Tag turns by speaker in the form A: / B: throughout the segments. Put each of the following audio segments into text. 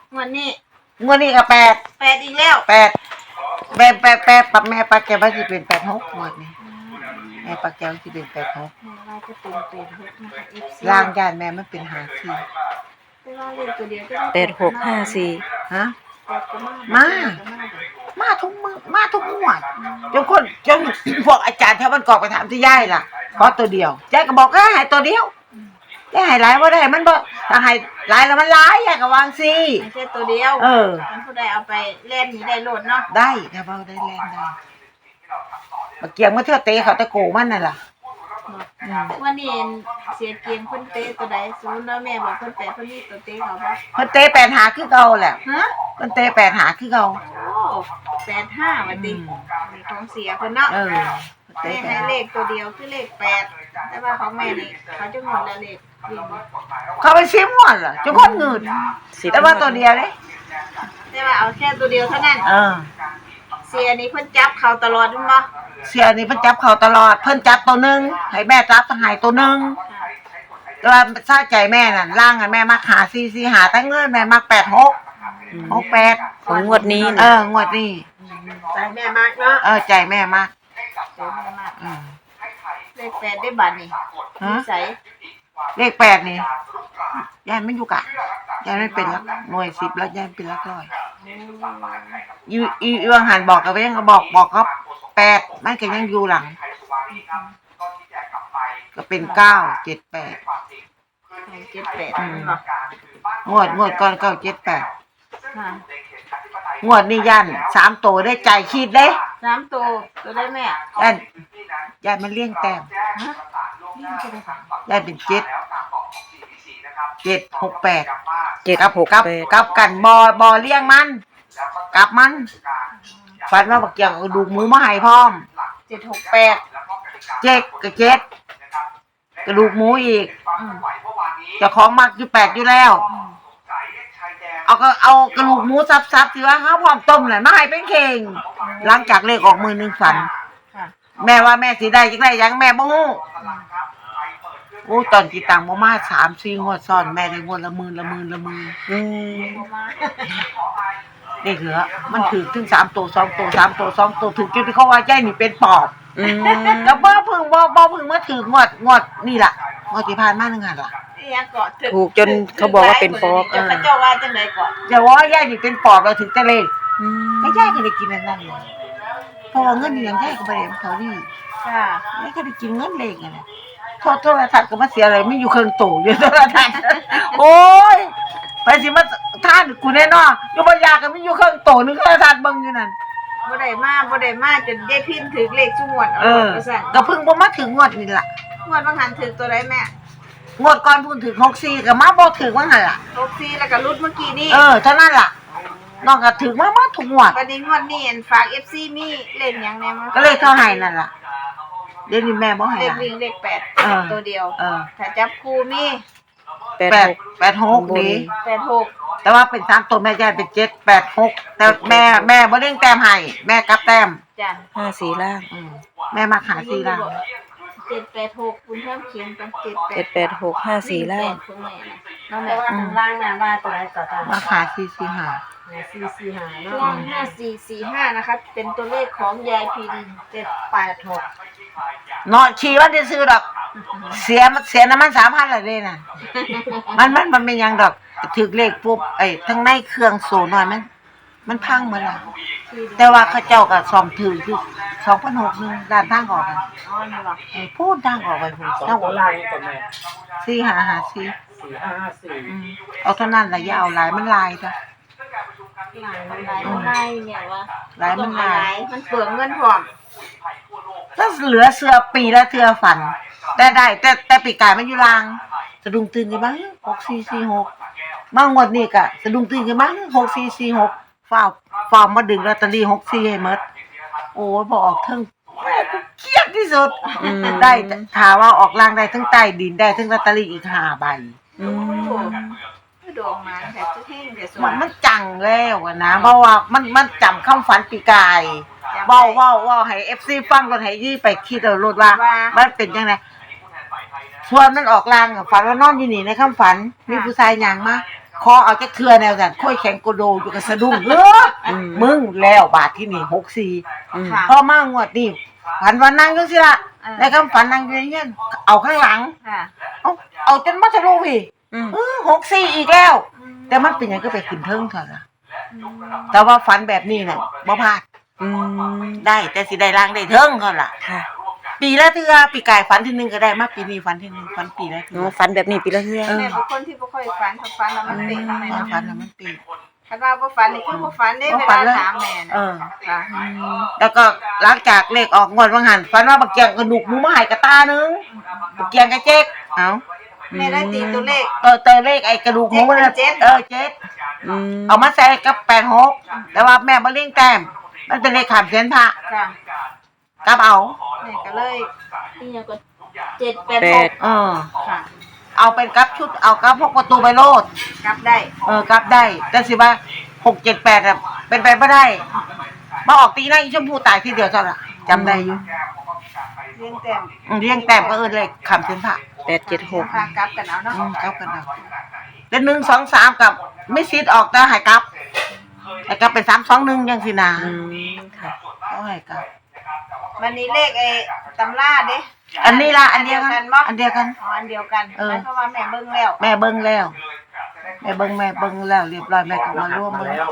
A: วันนี้
B: ก็8
A: อีกแล้ว
B: 8ปับแม่ปลาแก้วว่าสิเป็น86งวดนี้แม่ปลาแก้วสิเป็น86
A: แม่ว่าจะเป็น86นะคะ FC
B: ล่างย่านแม่มันเป็น54
A: แต่ว่าเลขตัวเดียวก็
C: 8654
B: ฮะ
A: มา
B: มาทุกมื้อมาทุกงวดจนพวกอาจารย์แถวบ้านกอกไปถามที่ยายล่ะขอตัวเดียวยายก็บอกให้ตัวเดียวได้ให้หลายบ่ได้มันบ่ถ้าให้หลายแล้วมันหลายยายก็วางสิ
A: ไม่ใช่ตัวเดียวมันผู้ใดเอาไปเล่นนี่ได้โลดเนาะ
B: ได้ถ้าเว้าได้แล่นได้มาเกียงมาเทื่อเตะเขาตะโกมันนั่นล่ะ
A: วันนี้เสียเกียงเพิ่นเตะตัวใดศูนย์แล้วแม่บอกเพิ่นเตะเพิ่นนี่ตัวเตะเขาบ่
B: เพิ่นเตะ8หาคือเก่าแหละเพิ่นเตะ8หาคือเก่า
A: โอ้85ว่าตินี่ของเสียเพิ่นเนาะแม่ให้เลขตัวเดียวคือเลข8แต่ว่าของแม่นี่เขาจะงดแล้วเลขวิ่ง
B: เขาไปซิมหมดล่ะจุคนเงินแต่ว่าตัวเดียวเด้
A: แต่ว่าเอาแค่ตัวเดียวเท่านั้นเสียนี่เพิ่นจับเขาตลอดมั้ยบ่
B: เสียนี่เพิ่นจับเขาตลอดเพิ่นจับตัวนึงให้แม่จับให้ตัวนึงแต่ว่าซาใจแม่นั่นล่างกันแม่มักหา4หาทั้งเงินแม่มัก68
C: ของงวดนี้
B: งวดนี้
A: ใจแม่มากเนาะ
B: ใจแม่มาก
A: เลข8ได้บัดนี่ใส่
B: เลข8นี่ยายไม่อยู่กะยายไม่เป็นหลักหน่วย10แล้วยายเป็นหลักร้อยอีวังหันบอกกับยังก็บอกครับ8มันก็ยังอยู่หลังก็เป็น978งวดก่อน978งวดนี้ยัน3ตัวได้ใจคิดเด้
A: 3ตัวได้แม่
B: ยันมันเลี้ยงแต้มยันเป็น7 68กับกันบอเลี้ยงมันกับมันฝันว่าบักเกี่ยวดูหมูมาให้พร้อม
A: 768
B: กับ7กระดูกหมูอีกเจ้าของมักอยู่8อยู่แล้วเอากระดูกหมูซับๆสิว่าเฮาพร้อมต้มน่ะมาให้เป็นเข่งหลังจากเลขออกมื้อนึงฝันแม่ว่าแม่สิได้จังได๋ยังแม่บ่ฮู้ตอนที่ตังบ่มา 3-4 งวดซ้อนแม่ได้งวดละหมื่นนี่เหรอมันถูกถึง3ตัว2ตัว3ตัว2ตัวถูกจนเขาว่ายายนี่เป็นปอบแล้วบ่เพิ่งมาถึงงวดนี่ล่ะงวดที่ผ่านมานึงหั่นล่ะ
C: ถูกจนเขาบอกว่าเป็นปอบ
A: เจ้าว่าจังได๋ก่อน
B: อย่าว่ายายนี่เป็นปอบแล้วถึงจะเลขไม่ยายก็ได้กินนั่นเลยเพราะว่าเงินนี่ยังยายก็บ่ได้เขานี่ยายก็ได้กินเงินเลขนั่นแหละโทรทัศน์ก็มาเสียอะไรไม่อยู่เครื่องตู่อยู่โทรทัศน์โอ้ยไปสิมาท่านกูแน่นอนอยู่บ่ยาก็มีอยู่เครื่องตู่นึงโทรทัศน์เบิ่งอยู่นั่น
A: บ่ได้มาจนได้พินถึงเลขซุงวด
B: ว่าซั่นก็เพิ่งบ่มาถึงงวดนี่ล่ะ
A: งวดบางหันถึงตัวใดแม่
B: งวดก่อนพุ่นถึง64ก็มาบ่ถึงว่าหั่นล่ะ
A: 64แล้วก็รุดเมื่อกี้นี่
B: เท่านั้นล่ะน้องก็ถึงมาทุกงวด
A: บัดนี้งวดนี้ฝาก FC มีเล่นหยังแน่มั้
B: ก็เลยเท่าให้นั่นล่ะเดี๋ยวนี้แม่บ่ให้
A: เลขวิ่งเลข8ตัวเดียวถ้าจับคู่มี
B: 86นี่
A: 86
B: แต่ว่าเป็น3ตัวแม่ยายเป็น786แต่แม่บ่เร่งแต้มให้แม่กลับแต้ม
A: จ้ะ
C: 54ล่าง
B: แม่มาหา4ล่าง
A: 786คุณเพิ่มเขียนเป็น
C: 786 54ล่าง
A: น้องแม่ว่าข้างล่างน่ะว่าตัวไหนต่อตา
B: มาหา445
A: เนาะ5445นะคะเป็นตัวเลขของยายพิน786
B: เนาะชี้ว่าจะซื้อดอกเสียน้ำมัน3,000ละเด้น่ะมันเป็นยังดอกถึกเลขปุ๊บทั้งในเครื่องโซน้อยมันพังหมดแล้วแต่ว่าเขาเจ้าก็ซ่อมถือคือ2,600นึงด้านทางออกกัน
A: นี่ล่ะ
B: พูดทางออกไปพุ่นทางออก4554เอาเท่านั้นล่ะอย่าเอาหลายมันลายจ้ะ
A: ลายเนี่ยว่า
B: หลายมันลาย
A: มันเปลืองเงินพร้อม
B: ถ้าเหลือเสื้อปีละเทื่อฝันแต่ได้แต่ปีกายมันอยู่ลางสะดุ้งตื่นกันบ้าง6446บางงวดนี้ก็สะดุ้งตื่นกันบ้าง6446ฟ้าวมาดึงลอตเตอรี่64ให้หมดโอ้ยบ่ออกเทิงเครียดที่สุดได้ถ้าว่าออกล่างได้ทั้งใต้ดินได้ทั้งลอตเตอรี่อีก5ใบ
A: ดวงมาแต่จะแห้งแต่ส
B: วยมันจังแล้วนะเพราะว่ามันจำคำฝันปีกายเว้าให้ FC ฟังก่อนให้ยี่ไปคิดเอาโลดว่ามันเป็นจังได๋ส่วนมันออกลางฝันว่านอนอยู่นี่ในคำฝันมีผู้ชายย่างมาคอเอาจักเทื่อแนวนั้นค่อยแข็งโกโดอยู่กับสะดุ้งมึงแล้วบาทที่นี่64
C: อืม
A: ค่ะ
B: พอมางวดนี้ฝันว่านั่งจังซี่ล่ะในคำฝันนั่งอยู่ในเงี้ยเอาข้างหลัง
A: ค่ะ
B: เอาจนมาทะลุพี่
C: อืม
B: 64อีกแล้ว แต่มันเป็นหยังก็ไปขึ้นเทิงเถอะล่ะแต่ว่าฝันแบบนี้น่ะบ่พลาด
C: อืม
B: ได้แต่สิได้ล่างได้เทิงเท่าล่ะ
C: ค่ะ
B: ปีละเทื่อปีกายฝันทีนึงก็ได้มาปีนี้ฝันทีนึงฝันปีละ
C: ห
B: เทื่
C: นู
B: อ
C: ฝันแบบนี้ปีละเทื่อ
A: แม่เป็นคนที่บ่ค่อยฝันถ้าฝันแล้วมันเป็นทำไม
B: มา
A: เนาะ
B: ฝันแล้วมันปี
A: คันว่าบ่ฝันนี่คือบ่ฝันเด้
B: บ่
A: เว
B: ฝั
A: ลาน
B: เลย
A: ถามแม่น่ะ
B: เออ
A: ค่ะ
B: แล้วก็หลังจากเลขออกงวดวังหันฝันว่าบักเกียงกระดูกหมูมาให้กระตานึงบักเกียงกระเจ๊กเอ้า
A: แม่ได้ตีตัวเลข
B: เตอเลขไอ้กระดูกหมูมันน่ะ
A: เจ็ด
B: เจ็ด
C: อืม
B: เอามาใส่กับ86แต่ว่าแม่บ่เลี้ยงแต้มมันเป็นเลขขามเสียนพระ
A: ค่ะ
B: กับเอา
A: แม่ก็เลยนี่ยังก็
C: แปด
B: เออ
A: ค่ะ
B: เอาเป็นกับชุดเอากับพวกประตูใบโลด
A: กลับได้
B: กับได้แต่สิว่า678อ่ะเป็นไปบ่ได้มาออกตีหน้าอีชมพูตายทีเดียวเท่านั้นจำได้อยู่
A: เลี้ยงแต้ม
B: เลี้ยงแต้มก็เลขขามเสียนพระ
C: 876
A: พากลับกันเอาเนาะ
B: กับกันเอาแต่1 2 3กับไม่ซีดออกแต่ให้กลับให้กลับเป็น3 2 1จังซี่นะ
C: อืมค่ะ
B: เอาให้กลับ
A: วันนี้เลขไอ้ตำราเด้
B: อันนี้ล่ะอันเดียวกัน
A: บ่
B: อันเดียวกัน
A: อ๋ออันเดียวกัน
B: เออ
A: เพราะว่าแม่เบิ่งแล้ว
B: แม่เบิ่งแล้วแม่เบิ่งแล้วเรียบร้อยแม่ก็มาร่วมเบิ่ง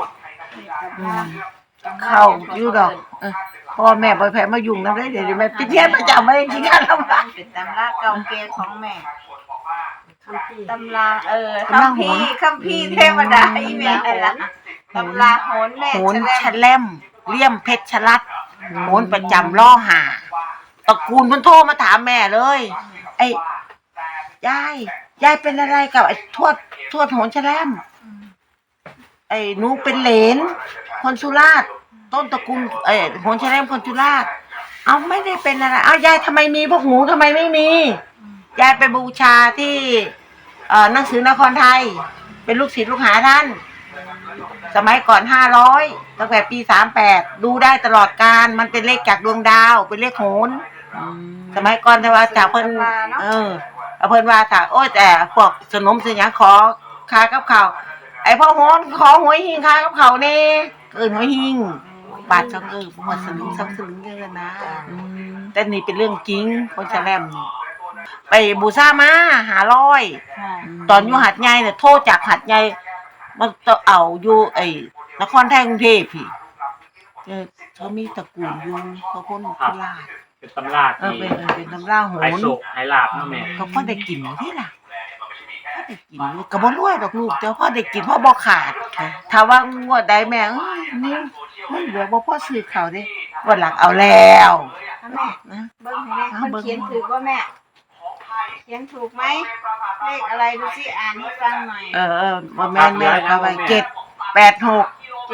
B: เข้าอยู่ดอกเพราะว่าแม่บ่แพ้มายุ่งนำได้เดี๋ยวแม่ปิดเทียนประจำไว้จริงๆกันแล้ว
A: เป็นตำราเก่าแก่ของแม่ตำรา
B: ตำรา
A: คัม
B: โห
A: ภี
B: น
A: ร์คัมภีร์เทวดาอีแม่นั่นล่ะตำราโหนแม่
B: โหน
A: แส
B: ชะ
A: ดง
B: แลมเลี่ยมเพชรชลัดโหนประจำล่อหาตระกูลเพิ่นโทรมาถามแม่เลย ไอ้ยายเป็นอะไรกับไอ้ทวดโหนชะแลมไอ้หนูเป็นเหลนคนสุราษฎร์ต้นตระกูลโหนชะแลมคนสุราษฎร์เอาไม่ได้เป็นอะไรเอายายทำไมมีพวกหนูทำไมไม่มียายไปบูชาที่หนังสือนครไทย เป็นลูกศิษย์ลูกหาท่าน สมัยก่อน500ตั้งแต่ปี38ดูได้ตลอดการมันเป็นเลขจากดวงดาวเป็นเลขโหนสมัยก่อนแต่ว่าจากเพิ่นเอาเพิ่นว่าถ้าโอ้ยแต่พวกสนมสิหยังขอคากับข้าวไอ้พ่อโหนขอหวยหิงคากับข้าวแน่เอิ้นหวยหิงบาท2บ่หมดสลึง2สลึงเด้อนะแต่นี่เป็นเรื่องจริงคนแฉลมนี่ไปบูชามา500ตอนอยู่หัดใหญ่เนี่ยโทรจากหัดใหญ่มันเอาอยู่ไอ้นครไทยกรุงเทพพี่เขามีตระกูลอยู่เขาคนโคราช
D: เป็นตำรา
B: เป็นตำราโห
D: ไฮ
B: น
D: โซไฮลาบเนาะแม่
B: เขาพอได้กินอยู่ที่ล่ะพอได้กินอยู่ก็บ่รวยดอกลูกแต่พอได้กินพอบ่ขาดถ้าว่างวดใดแม่นี่มันเหลือบ่พอซื้อข้าวเด้วันหลังเอาแล้ว
A: แม่
B: นะ
A: เบิ่งให้แม่คนเขียนถูกว่าแม่เขียนถูกไหมเลขอะไรดูสิอ่านให้ฟังหน่อย
B: บ่แม่นแม่ก็ไว้786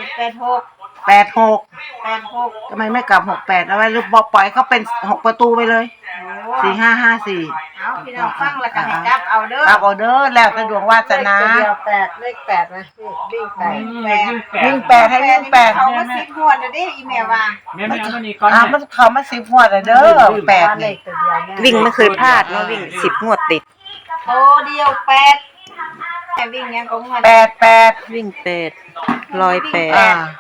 A: 786
B: ทำไมไม่กลับ68เอาไว้หรือบ่ปล่อยเขาเป็น6ประตูไปเลย
A: โอ้
B: 4554
A: เอาพี่น้องฟังแล้วก็ให้กลับเอาเด้อ
B: ครับออเดอร์แล้วแต่ดวงวาสนา
A: เลข8นะวิ่ง8
B: วิ่ง8ให้วิ่ง8
A: เขามา10งวดแล้วเด้อีแม่ว่า
D: แม่ไม่เอาตัวนี้ก่อน
B: มันเขามา10หัวแล้วเด้อ8นี่
C: วิ่งไม่เคยพลาดเนาะวิ่ง10งวดติด
A: โตเดียว8แม่วิ่งยังก็งวด
B: 88
C: วิ่ง8ร้อยแปด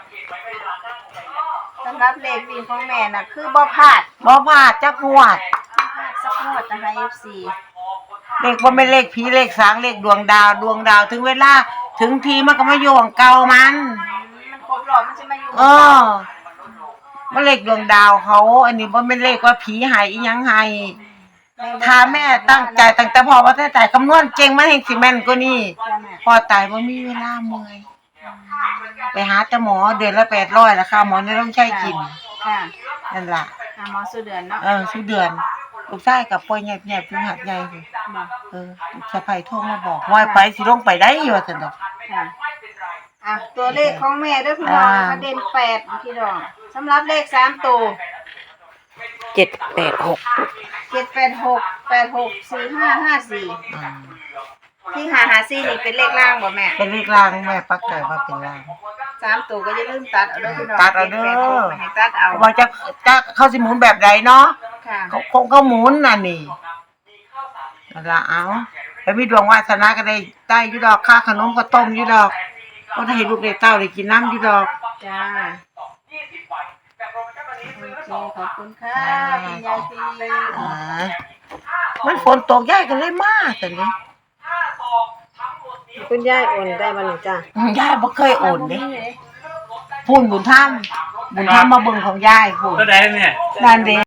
A: สำหรับเลขวิ่งของแม่น่ะคือบ่พลาด
B: บ่พลาดจักงวด
A: สักงวดนะคะ FC
B: เลขบ่แม่นเลขผีเลขสางเลขดวงดาวถึงเวลาถึงทีมันก็มาอยู่ของเก่ามัน
A: มันครบรอบมันจะมาอยู่
B: มันเลขดวงดาวเขาอันนี้บ่แม่นเลขว่าผีให้อีหยังให้ถ้าแม่ตั้งใจตั้งแต่พ่อว่าถ้าใจคำนวณเก่งมันแห่งสิแม่นกว่านี้พอตายบ่มีเวลาเมื่อยไปหาแต่หมอเดือนละ800ราคาหมอนี่ต้องใช้กิน
A: ค่ะ
B: นั่นล่ะ
A: หาหมอสุเดือนเนาะ
B: ทุกเดือนลูกชายกับป่วยแยบๆถึงหัดใหญ่สิ
A: บอก
B: สะใภ้โทรมาบอกว่าไปสิลงไปได้ว่าซั่นดอก
A: ค่ะตัวเลขของแม่เด้อพี่น้องนะคะเด่น8พี่น้องสำหรับเลข3ตัว
C: 786
A: 786 86 4554ที่554นี่เป็นเลขล่างบ่แม่
B: เป็นเลขรางแม่ปักใจว่าเป็นราง
A: 3ตัวก็อย่าลืมตัดเอาเด้อพี่น้อง
B: ตัดเอาเด้อ
A: 786ให้ตัดเอา
B: ว่าจะเขาสิหมุนแบบใดเนาะ
A: ค่ะ
B: เขาหมุนน่ะนี่นั่นล่ะเอาไปมีดวงวาสนาก็ได้อยู่ดอกค่าขนมก็ต้มอยู่ดอกก็ได้ให้ลูกได้เต้าได้กินน้ำอยู่ดอก
A: จ้าโอเคขอบคุณค่ะคุณยายตี
B: อ่ามันฝนตกยายก็เลยมาแต่นี้
A: คุณยายโอนได้มาหนึ่งจ้าย
B: ายบ่เคยโอนเด้พูนบุญธรรมมาเบิ่งของยายพูน
D: ก็ได้เนี่ย
B: นั่นเด้